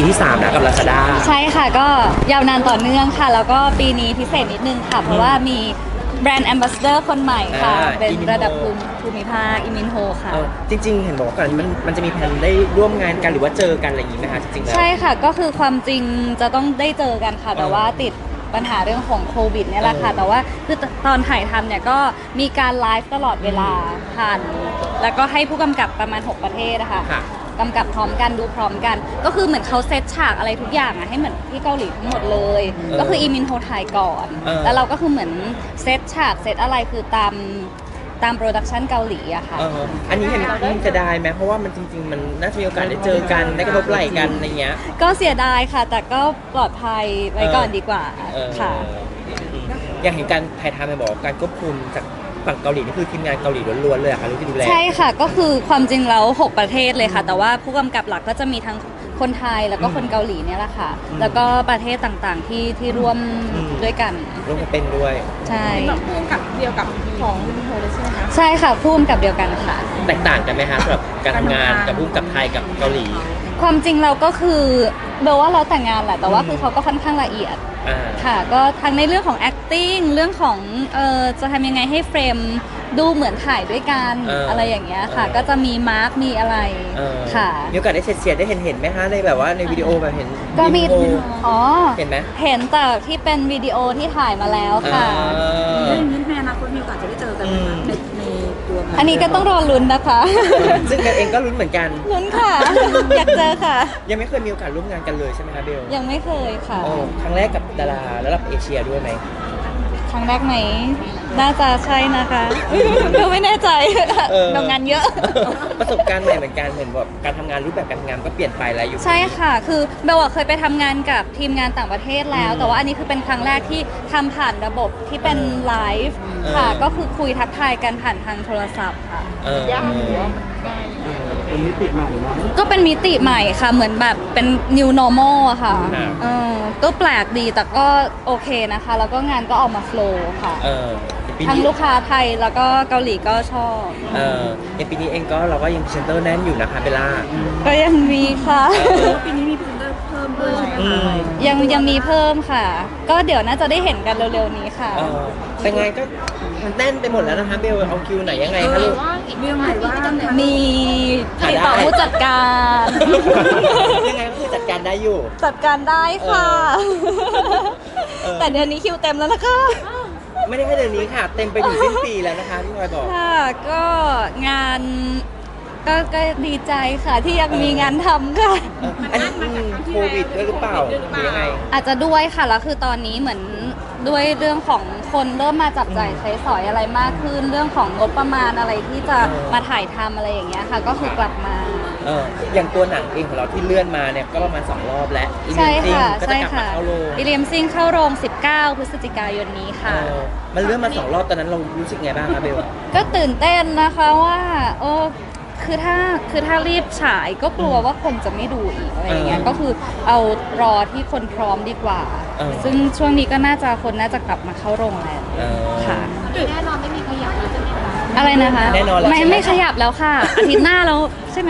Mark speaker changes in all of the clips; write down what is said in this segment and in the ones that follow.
Speaker 1: ที่3แล้วกับ Lazada
Speaker 2: ใช่ค่ะก็ยาวนานต่อเนื่องค่ะ แล้วก็ปีนี้พิเศษนิดนึงค่ะ เพราะว่ามีแบรนด์แอมบาสเดอร์คนใหม่ค่ะ เป็นระดับภูมิภาคอิมินโฮค่ะ
Speaker 1: จริงๆเห็นบอกว่าก่อนมันจะมีแผนได้ร่วมงานกันหรือว่าเจอกันอะไรอย่างนี้ไหมคะจริงๆแล้ว
Speaker 2: ใช่ค่ะก็คือความจริงจะต้องได้เจอกันค่ะ แต่ว่าติดปัญหาเรื่องของโควิดเนี่ยแหละค่ะ แต่ว่าคือตอนถ่ายทำเนี่ยก็มีการไลฟ์ตลอดเวลาผ่านแล้วก็ให้ผู้กำกับประมาณ 6 ประเทศนะคะกำกับพร้อมกันดูพร้อมกัน ก็คือเหมือนเขาเซตฉากอะไรทุกอย่างอะให้เหมือนที่เกาหลีทั้งหมดเลย ก็คืออีมินโฮถ่ายก่อนแล้วเราก็คือเหมือนเซตฉากเซตอะไรคือตามโปรดักชันเกาหลีอะค่ะ
Speaker 1: อันนี้เห็นเสียดายไหมเพราะว่ามันจริงๆมันน่าจะมีโอกาสได้เจอกันได้กระทบไหล่กันอะไรเงี้ย
Speaker 2: ก็เสียดายค่ะ แต่ก็ปลอดภัยไว้ก่อนดีกว่าค่ะ
Speaker 1: อย่างเห็นการถ่ายทำไปบอกการควบคุมจากฝั่งเกาหลีนี่คือทีมงานเกาหลีล้วนๆเลยอะค่ะที่ดูแล
Speaker 2: ใช่ค่ะก็คือความจริงแล้ว6 ประเทศเลยค่ะ แต่ว่าผู้กำกับหลักก็จะมีทั้งคนไทยแล้วก็คนเกาหลีเนี่ยแหละค่ะแล้วก็ประเทศต่างๆที่ร่วมด้วยกัน
Speaker 1: ร่วมเป็นด้วย
Speaker 2: ใช่
Speaker 3: แบบผู้กำกับเดียวกับของโฮเลยใช่ไหมคะ
Speaker 2: ใช่ค่ะผู้กำกับเดียวกันค่ะ
Speaker 1: แตกต่างกันไหมคะสำหรับการทำงานกับผู้กำกับไทยกับเกาหลี
Speaker 2: ความจริงเราก็คือเบลว่าเราแต่งงานแหละแต่ว่าคือเขาก็ค่อนข้างละเอียดค่ะก็ทั้งในเรื่องของ acting เรื่องของจะทำยังไงให้เฟรมดูเหมือนถ่ายด้วยกันอะไรอย่างเงี้ยค่ะก็จะมีมาร์กมีอะไรค่ะ
Speaker 1: มีโอกาสได้เฉียดได้เห็นไหมคะในแบบว่าในวิดีโอแบบเห็น
Speaker 2: ก็มี
Speaker 1: เห็นไหม
Speaker 2: เห็นแต่ที่เป็นวิดีโอที่ถ่ายมาแล้วค่ะ
Speaker 3: เรื่องนี้ในอนาคตมีโอกาสจะได้เจอกันในตัว
Speaker 2: อันนี้ก็ต้องรอลุ้นนะคะ
Speaker 1: ซึ่งกันเองก็ลุ้นเหมือนกัน
Speaker 2: ลุ้นค่ะอยากเจอค่ะ
Speaker 1: ยังไม่เคยมีโอกาสร่วมงานกันเลยใช่ไหมคะเบล
Speaker 2: ยังไม่เคยค่ะ
Speaker 1: ครั้งแรกกับดาราระดับเอเชียด้วยไหม
Speaker 2: ครั้งแรกไหมน่าจะใช่นะคะเราไม่แน่ใจทำงานเยอะ
Speaker 1: ประสบการณ์ใหม่เหมือนกันเห็นแบบการทำงานรูปแบบการทำงานก็เปลี่ยนไปแล้วอยู่
Speaker 2: ใช่ค่ะคือเบลเคยไปทำงานกับทีมงานต่างประเทศแล้วแต่ว่าอันนี้คือเป็นครั้งแรกที่ทำผ่านระบบที่เป็นไลฟ์ค่ะก็คือคุยทักทายกันผ่านทางโทรศัพท์ค่ะ
Speaker 3: ยากหรือว่า
Speaker 4: เป็นมิติใหม่เนาะ
Speaker 2: ก็เป็นมิติใหม่ค่ะเหมือนแบบเป็น new normal อะค่ะก็แปลกดีแต่ก็โอเคนะคะแล้วก็งานก็ออกมาโฟล์ค่ะทั้งลูกค้าไทยแล้วก็เกาหลีก็ชอบ
Speaker 1: ในปีนี้เองก็เราก็ยังพรีเซนเตอร์แน่นอยู่นะคะเบลล่า
Speaker 2: ก็ยังมีค่ะ
Speaker 3: ปีนี้มีพรีเซนเตอร์เพิ่มด้วยใช่ไหมคะ
Speaker 2: ยังมีเพิ่มค่ะก็เดี๋ยวน่าจะได้เห็นกันเร็วๆนี้ค่ะ
Speaker 1: แต่งานก็มันแน่นไปหมดแล้วนะคะเบลเอาคิวไหนยังไงคะลูก
Speaker 3: เรื่องอะไรว่า
Speaker 2: มีติดต่อผู้จัดการ
Speaker 1: ยังไงก็คือจัดการได้อยู่
Speaker 2: จัดการได้ค่ะแต่เดือนนี้คิวเต็มแล้วนะคะ
Speaker 1: ไม่ได้แค่เดือนนี้ค่ะเต็มไปถึงสิ้นปีแล้วนะคะพี่พลอยบอก
Speaker 2: ค่ะก็งานก็ดีใจค่ะที่ยังมีงานทำค่ะ
Speaker 1: อันนี้โควิดด้วยหรือเปล่าหรือยังไง
Speaker 2: อาจจะด้วยค่ะแล้วคือตอนนี้เหมือนด้วยเรื่องของคนเริ่มมาจับจ่ายใช้สอยอะไรมากขึ้นเรื่องของงบประมาณอะไรที่จะมาถ่ายทำอะไรอย่างเงี้ยค่ะก็คือกลับมา
Speaker 1: อย่างตัวหนังเองของเราที่เลื่อนมาเนี่ยก็ประมาณ2 รอบแล้ว
Speaker 2: ใช่ค่ะ
Speaker 1: ใช่ค่ะ
Speaker 2: อิเลียมซิงเข้าโรง19 พฤศจิกายนนี้ค่ะ
Speaker 1: มันเลื่อนมา2 รอบตอนนั้นเรารู้สึกไงบ้างคะเบล
Speaker 2: ก็ตื่นเต้นนะคะว่าคือถ้ารีบฉายก็กลัวว่าคนจะไม่ดูอีกอะไรอย่างเงี้ยก็คือเอารอที่คนพร้อมดีกว่าซึ่งช่วงนี้ก็คนน่าจะกลับมาเข้าโรงแล้วค่ะ
Speaker 3: แน่นอนไม่มีขยับแล้วจะ
Speaker 2: อะไรนะคะ
Speaker 1: แน่นอนแล้ว
Speaker 2: ไม่ขยับแล้วค่ะอาทิตย์หน้าแล้วใช่ไหม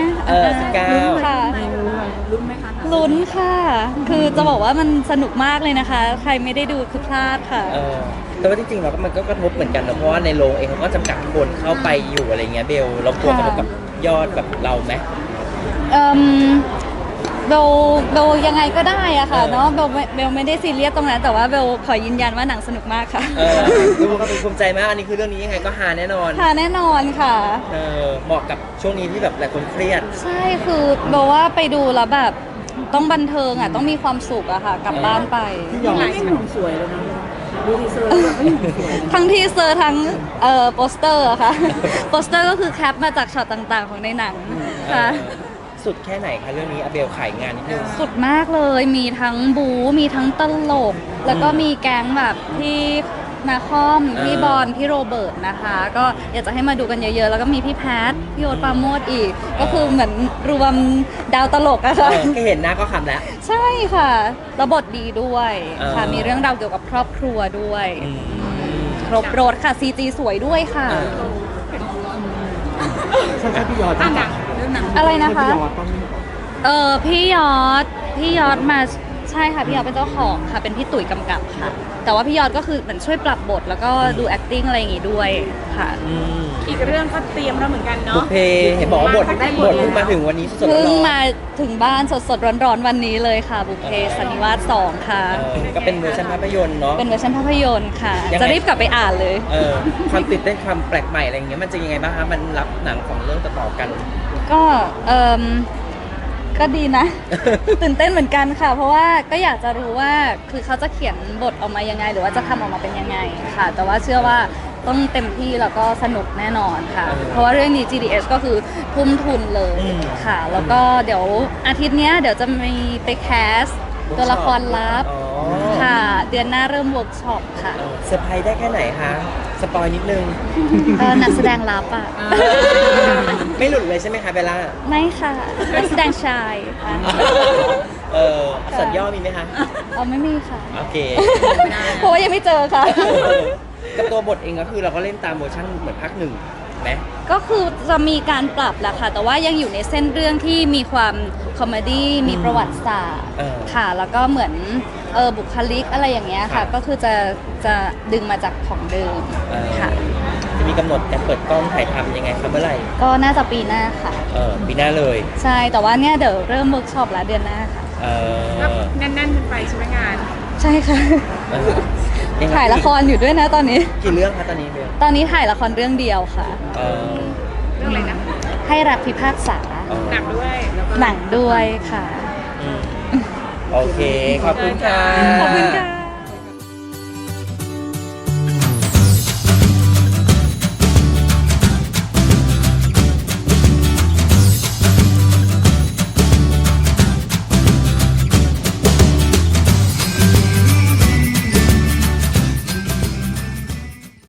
Speaker 1: 19
Speaker 2: ค่ะ
Speaker 3: ลุ้นไหมคะ
Speaker 2: ลุ้นค่ะคือจะบอกว่ามันสนุกมากเลยนะคะใครไม่ได้ดูคือพลาดค่ะ
Speaker 1: แต่ว่าจริงๆเราก็มันก็กระทบเหมือนกันนะเพราะว่าในโรงเองเขาก็จำกัดคนเข้าไปอยู่อะไรเงี้ยเบลเรากลัวกระทบกับยอดแบบเราไหม
Speaker 2: เบลยังไงก็ได้อะค่ะเนาะเบลไม่ได้ซีเรียสตรงนั้นแต่ว่าเบลขอยืนยันว่าหนังสนุกมากค่ะ
Speaker 1: ดูก็เป็นภูมิใจมากอันนี้คือเรื่องนี้ยังไงก็ฮาแน่นอน
Speaker 2: ฮาแน่นอนค่ะ
Speaker 1: เหมาะกับช่วงนี้ที่แบบหลายคนเครียด
Speaker 2: ใช่คือเบลว่าไปดูแล้วแบบต้องบันเทิงอะต้องมีความสุขอะค่ะกลับบ้านไป
Speaker 3: ที่ยอมไม่หุ่นสวยเลยนะดูทีเซอร์ไม่หุ่นสวย
Speaker 2: ทั้งทีเซอร์ทั้งโปสเตอร์ค่ะโปสเตอร์ก็คือแคปมาจากช็อตต่างๆของในหนังค่ะ
Speaker 1: สุดแค่ไหนคะเรื่องนี้อเบลขายงานนิดนึง
Speaker 2: สุดมากเลยมีทั้งบู๊มีทั้งตลกแล้วก็มีแก๊งแบบที่นาคอมพี่บอลพี่โรเบิร์ตนะคะก็อยากจะให้มาดูกันเยอะๆแล้วก็มีพี่แพทพี่โอ๊ตปราโมทอีกก็คือเหมือนรวมดาวตลกอะค่ะ
Speaker 1: แค่เห็นหน้าก็ขำแล้ว
Speaker 2: ใช่ค่ะแล้วบทดีด้วยค่ะมีเรื่องราวเกี่ยวกับครอบครัวด้วยครบรถค่ะ CG สวยด้วยค่ะ
Speaker 4: ใช่พี่ยอด
Speaker 2: อะไรนะคะพี่ยอดมาใช่ค่ะพี่ยอดเป็นเจ้าของค่ะเป็นพี่ตุ๋ยกำกับค่ะ แต่ว่าพี่ยอดก็คือเหมือนช่วยปรับบทแล้วก็ดู acting อะไรอย่างงี้ด้วยค่ะ
Speaker 1: อืม
Speaker 3: อีกเรื่องก็เตรียมแล้วเหมือนกัน
Speaker 1: บุ
Speaker 3: เนาะ
Speaker 1: พเพเห็นบอกว่าบทเพิ่งมาถึงวันนี้สดๆร้
Speaker 2: เพิ่ง
Speaker 1: อน
Speaker 2: มาถึงบ้านสดๆร้อนๆวันนี้เลยค่ะ บุพเพสันนิวาส2ค่ะ
Speaker 1: ๆก็เป็นเวอร์ชันภาพยนตร์เนาะ
Speaker 2: เป็นเวอร์ชันภาพยนตร์ค่ะ
Speaker 1: ยังไง
Speaker 2: จะรีบกลับไปอ่านเลย
Speaker 1: ความตื่นเต้นความแปลกใหม่อะไรอย่างเงี้ยมันจะยังไงบ้างคะมันรับหนังของเรื่องต่อๆกัน
Speaker 2: ก็ก็ดีนะ ตื่นเต้นเหมือนกันค่ะ เพราะว่าก็อยากจะรู้ว่าคือเขาจะเขียนบทออกมายังไง หรือว่าจะทำออกมาเป็นยังไงค่ะ แต่ว่าเชื่อว่าต้องเต็มที่แล้วก็สนุกแน่นอนค่ะ เพราะว่าเรื่องนี้ GDS ก็คือทุ่มทุนเลยค่ะ แล้วก็เดี๋ยวอาทิตย์เนี้ยเดี๋ยวจะมีไปแคสตัวละครลับ
Speaker 1: อ๋อ
Speaker 2: ค่ะ เดือนหน้าเริ่มเวิร์กช็อปค่ะ
Speaker 1: เซอร์ไพรส์ได้แค่ไหนคะสปอยนิดนึง
Speaker 2: นักแสดงลับอ่ะ
Speaker 1: ไม่หลุดเลยใช่ไหมคะเบลล่า
Speaker 2: ไม่ค่ะนักแสดงชายค่ะ
Speaker 1: สัญย่อมีไหมคะ
Speaker 2: ไม่มีค่ะ
Speaker 1: โอเค
Speaker 2: เพราะว่ายังไม่เจอค่ะ
Speaker 1: กับตัวบทเองก็คือเราก็เล่นตามเวอร์ชันเหมือนภาคหนึ่งไหม
Speaker 2: ก็คือจะมีการปรับแหละค่ะ แต่ว่ายังอยู่ในเส้นเรื่องที่มีความคอมเมดี้มีประวัติศาสตร์ค่ะ แล้วก็เหมือนบุคลิกอะไรอย่างเงี้ยค่ะ ก็คือจะดึงมาจากของเดิมค่ะ
Speaker 1: จะมีกำหนดการเปิดกล้องถ่ายทำยังไงคะเมื่อไหร่
Speaker 2: ก็น่าจะปีหน้าค่ะ
Speaker 1: ปีหน้าเลย
Speaker 2: ใช่ แต่ว่าเนี่ยเดี๋ยวเริ่มเวิร์กช็อปแล้วเดือนหน้าค่ะ
Speaker 3: ก็แน่นๆกันไปใช่ไหมงาน
Speaker 2: ใช่ค่ะ
Speaker 1: งไง
Speaker 2: ถ่ายละครอยู่ด้วยนะตอนนี้
Speaker 1: กี่เรื่องคะตอนนี้เบล
Speaker 2: ตอนนี้ถ่ายละครเรื่องเดียวค่ะ
Speaker 3: เรื่องอะไรนะ
Speaker 2: ให้รักพิพากษา
Speaker 3: หนักด้วยแล้วก็
Speaker 2: หนังด้วยค่ะ
Speaker 1: โอเค ขอบคุณค่ะ
Speaker 2: ขอบคุณค่ะ